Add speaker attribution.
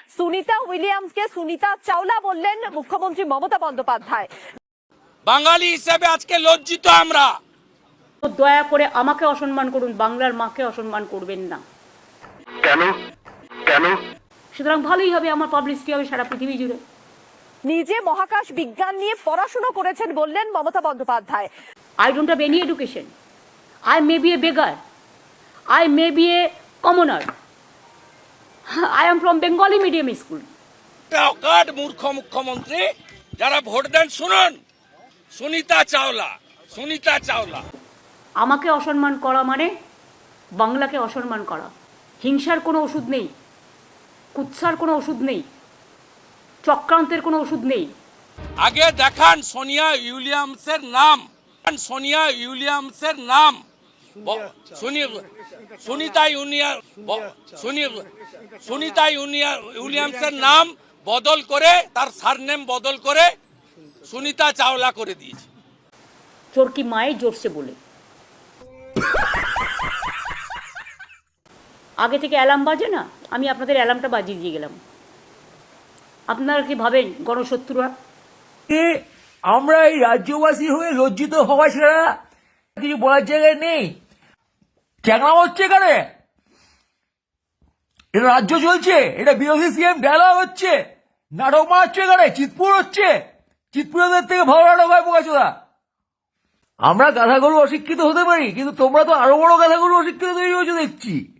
Speaker 1: সুনিতা উইলিয়ামসকে সুনিতা চাওলা বললেন মুখ্যমন্ত্রী মমতা বন্দ্যোপাধ্যায়।
Speaker 2: বাঙালি হিসেবে আজকে লজ্জিত আমরা।
Speaker 3: দয়া করে আমাকে অসম্মান করুন, বাংলার মাকে অসম্মান করবেন না।
Speaker 4: কেন কেন?
Speaker 3: সুতরাং ভালোই হবে, আমার পাবলিসিটি হবে সারা পৃথিবী জুড়ে।
Speaker 1: নিজে মহাকাশ বিজ্ঞান নিয়ে পড়াশোনা করেছেন বললেন Mamata Bandyopadhyay.
Speaker 3: I don't have any education. I may be a beggar. I may be a commoner. I am from Bengali medium school.
Speaker 2: অকাট মূর্খ মুখ্যমন্ত্রী, যারা ভোট দেন শুনুন, সুনিতা চাওলা, সুনিতা চাওলা।
Speaker 3: আমাকে অসম্মান করা মানে বাংলাকে অসম্মান করা। হিংসার কোনো ওষুধ নেই, কুৎসার কোনো ওষুধ নেই, চক্রান্তের কোনো ওষুধ নেই।
Speaker 2: আগে দেখান সোনিয়া উইলিয়ামসের নাম, সোনিয়া উইলিয়ামসের নাম, সুনিতা উইলিয়ামসের নাম বদল করে, তার সারনেম বদল করে সুনিতা চাওলা করে দিয়েছে।
Speaker 3: চোরকি মায়ে জোরসে বলে। আগে থেকে অ্যালার্ম বাজে না, আমি আপনাদের অ্যালার্মটা বাজিয়ে দিয়ে গেলাম। আপনারা কি ভাবেন গণশত্রুরা?
Speaker 5: আমরা এই রাজ্যবাসী হয়ে লজ্জিত হওয়া ছাড়া কিছু বলার জায়গায় নেই। চ্যাংলা হচ্ছে এখানে, এটা রাজ্য চলছে, এটা বিরোধী সিএম ডায়লগ হচ্ছে, নাটক মারাচ্ছে এখানে, চিতপুর হচ্ছে, চিতপুরের থেকে ভালো নাটক হয় বোকাচোদা। আমরা গাধাগরু অশিক্ষিত হতে পারি, কিন্তু তোমরা তো আরো বড় গাধাগরু অশিক্ষিত তৈরি হয়েছো দেখছি।